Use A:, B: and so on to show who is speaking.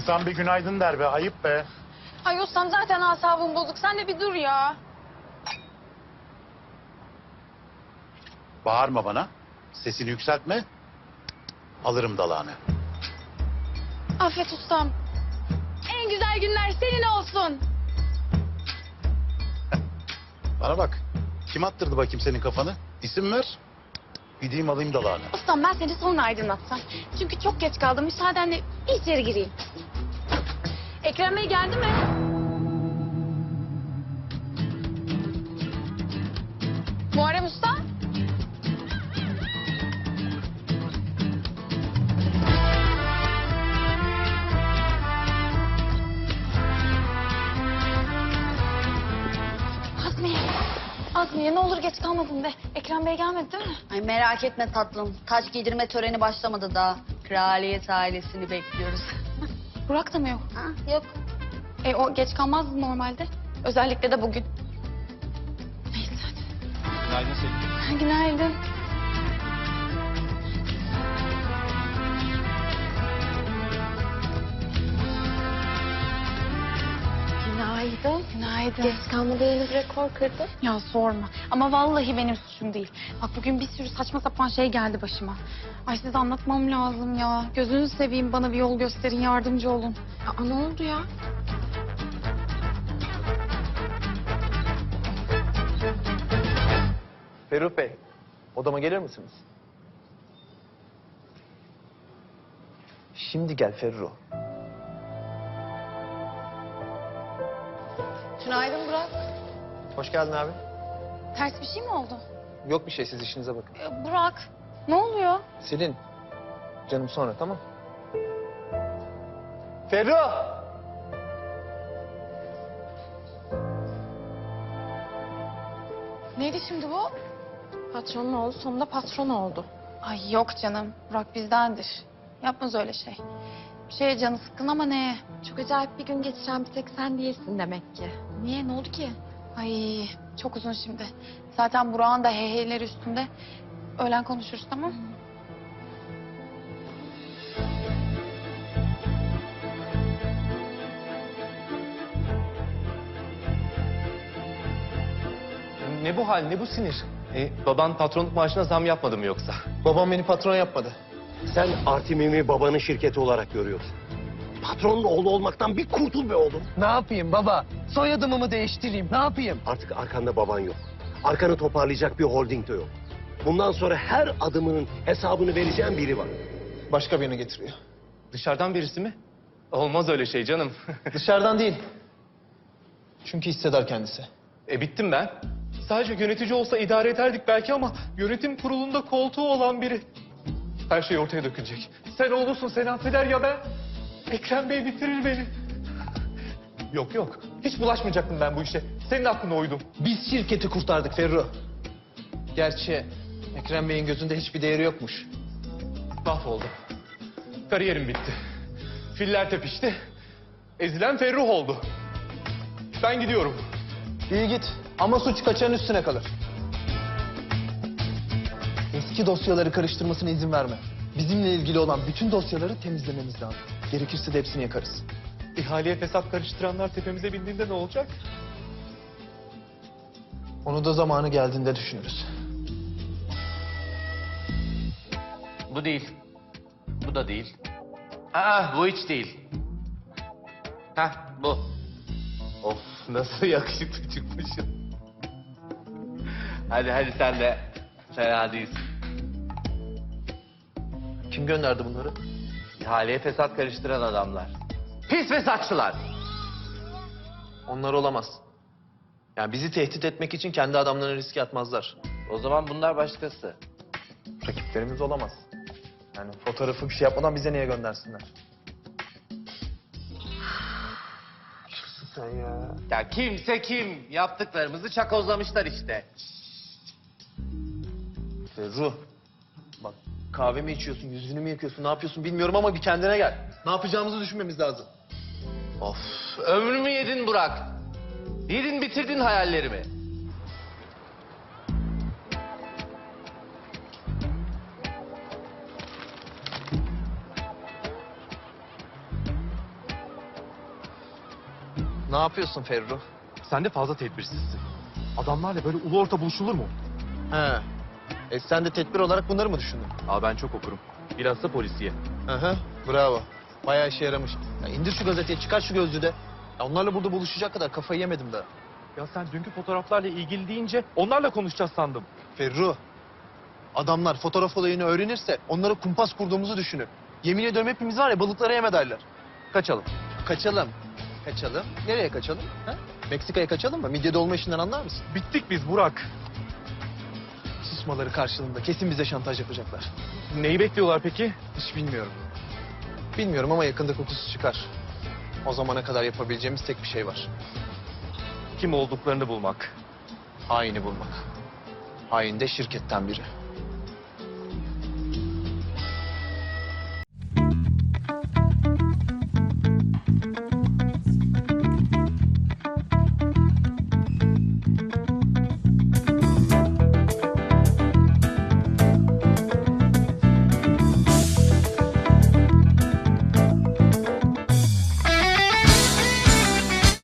A: İnsan bir günaydın der be, ayıp be.
B: Ay ustam zaten asabım bozuk. Sen de bir dur ya.
A: Bağırma bana, sesini yükseltme. Alırım dalağını.
B: Affet ustam. En güzel günler senin olsun.
A: Bana bak, kim attırdı bakayım senin kafanı? İsim ver, gideyim alayım dalağını.
B: Ustam ben seni sonra aydınlatsam. Çünkü çok geç kaldım. Müsaadenle bir içeri gireyim. Ekrem Bey geldi mi? Muharrem Usta? Azmiye. Azmiye ne olur geç kalmadın de. Ekrem Bey gelmedi değil mi?
C: Ay merak etme tatlım. Taç giydirme töreni başlamadı daha. Kraliyet ailesini bekliyoruz.
B: Burak da mı yok?
C: Ha, yok.
B: O geç kalmazdı normalde. Özellikle de bugün. Neyse hadi.
D: Günaydın Selin.
B: Günaydın.
E: Günaydın.
B: Günaydın.
E: Geç kalmada yeni bir rekor kırdın.
B: Ya sorma. Ama vallahi benim suçum değil. Bak bugün bir sürü saçma sapan şey geldi başıma. Ay size anlatmam lazım ya. Gözünüzü seveyim bana bir yol gösterin, yardımcı olun.
E: Aa, ne oldu ya?
D: Ferruh Bey, odama gelir misiniz? Şimdi gel Ferruh.
E: Günaydın Burak.
D: Hoş geldin abi.
B: Ters bir şey mi oldu?
D: Yok bir şey, siz işinize bakın.
B: Burak, ne oluyor?
D: Selin, canım sonra, tamam? Ferruh!
B: Neydi şimdi bu?
E: Patronun oğlu sonunda patron oldu.
B: Ay yok canım. Burak bizdendir. Yapmaz öyle şey. Bir şeye canı sıkkın ama ne?
E: Çok acayip bir gün geçiren bir tek sen değilsin demek ki.
B: Niye? Ne oldu ki? Ay çok uzun şimdi. Zaten Burak'ın da heyheyleri üstünde. Öğlen konuşuruz tamam?
F: Ne bu hal, ne bu sinir? Baban patronluk maaşına zam yapmadı mı yoksa?
D: Babam beni patron yapmadı.
G: Sen Artimim'i babanın şirketi olarak görüyorsun. Patronun oğlu olmaktan bir kurtul be oğlum.
D: Ne yapayım baba? Soyadımı mı değiştireyim, ne yapayım?
G: Artık arkanda baban yok. Arkanı toparlayacak bir holding de yok. Bundan sonra her adımının hesabını vereceğin biri var.
D: Başka birini getiriyor.
F: Dışarıdan birisi mi? Olmaz öyle şey canım.
D: Dışarıdan değil. Çünkü hisseder kendisi.
F: Bittim ben. Sadece yönetici olsa idare ederdik belki ama yönetim kurulunda koltuğu olan biri. Her şey ortaya dökülecek. Sen oğlusun, seni affeder ya ben. Ekrem Bey bitirir beni. Yok yok, hiç bulaşmayacaktım ben bu işe. Senin aklına uydum.
D: Biz şirketi kurtardık Ferruh. Gerçi Ekrem Bey'in gözünde hiçbir değeri yokmuş.
F: Mahvoldum. Kariyerim bitti. Filler tepişti. Ezilen Ferruh oldu. Ben gidiyorum.
D: İyi git ama suç kaçanın üstüne kalır. Eski dosyaları karıştırmasına izin verme. Bizimle ilgili olan bütün dosyaları temizlememiz lazım. Gerekirse de hepsini yakarız.
F: İhaleye fesat karıştıranlar tepemize bindiğinde ne olacak?
D: Onu da zamanı geldiğinde düşünürüz.
H: Bu değil. Bu da değil. Bu hiç değil. Bu. Of nasıl yakışıklı çıkmışsın. Hadi sen de fena değilsin.
D: Kim gönderdi bunları?
H: İhaleye fesat karıştıran adamlar. Pis fesatçılar.
D: Onlar olamaz. Yani bizi tehdit etmek için kendi adamlarını riske atmazlar.
H: O zaman bunlar başkası.
D: Rakiplerimiz olamaz. Yani fotoğrafı bir şey yapmadan bize niye göndersinler? Kimsin sen ya?
H: Ya kimse kim? Yaptıklarımızı çakozlamışlar işte.
D: Ferruh. Bak kahve mi içiyorsun, yüzünü mü yakıyorsun, ne yapıyorsun bilmiyorum ama bir kendine gel. Ne yapacağımızı düşünmemiz lazım.
H: Of ömrümü yedin Burak. Yedin bitirdin hayallerimi.
D: Ne yapıyorsun Ferru?
F: Sen de fazla tedbirsizsin. Adamlarla böyle ulu orta buluşulur mu?
D: He. Sen de tedbir olarak bunları mı düşündün?
F: Aa, ben çok okurum. Biraz da polisiye.
D: Aha, bravo. Bayağı işe yaramış. Ya indir şu gazeteyi, çıkar şu gözlüğü de. Ya onlarla burada buluşacak kadar kafayı yemedim daha.
F: Ya sen dünkü fotoğraflarla ilgili deyince onlarla konuşacağız sandım.
D: Ferru, adamlar fotoğraf olayını öğrenirse onlara kumpas kurduğumuzu düşünür. Yemin ediyorum hepimiz var ya balıklara yem ederler.
F: Kaçalım.
D: Kaçalım. Kaçalım. Nereye kaçalım? Ha? Meksika'ya kaçalım mı? Midye dolma işinden anlar mısın?
F: Bittik biz Burak.
D: Susmaları karşılığında kesin bize şantaj yapacaklar.
F: Neyi bekliyorlar peki?
D: Hiç bilmiyorum. Bilmiyorum ama yakında kokusu çıkar. O zamana kadar yapabileceğimiz tek bir şey var.
F: Kim olduklarını bulmak.
D: Haini bulmak. Hain de şirketten biri.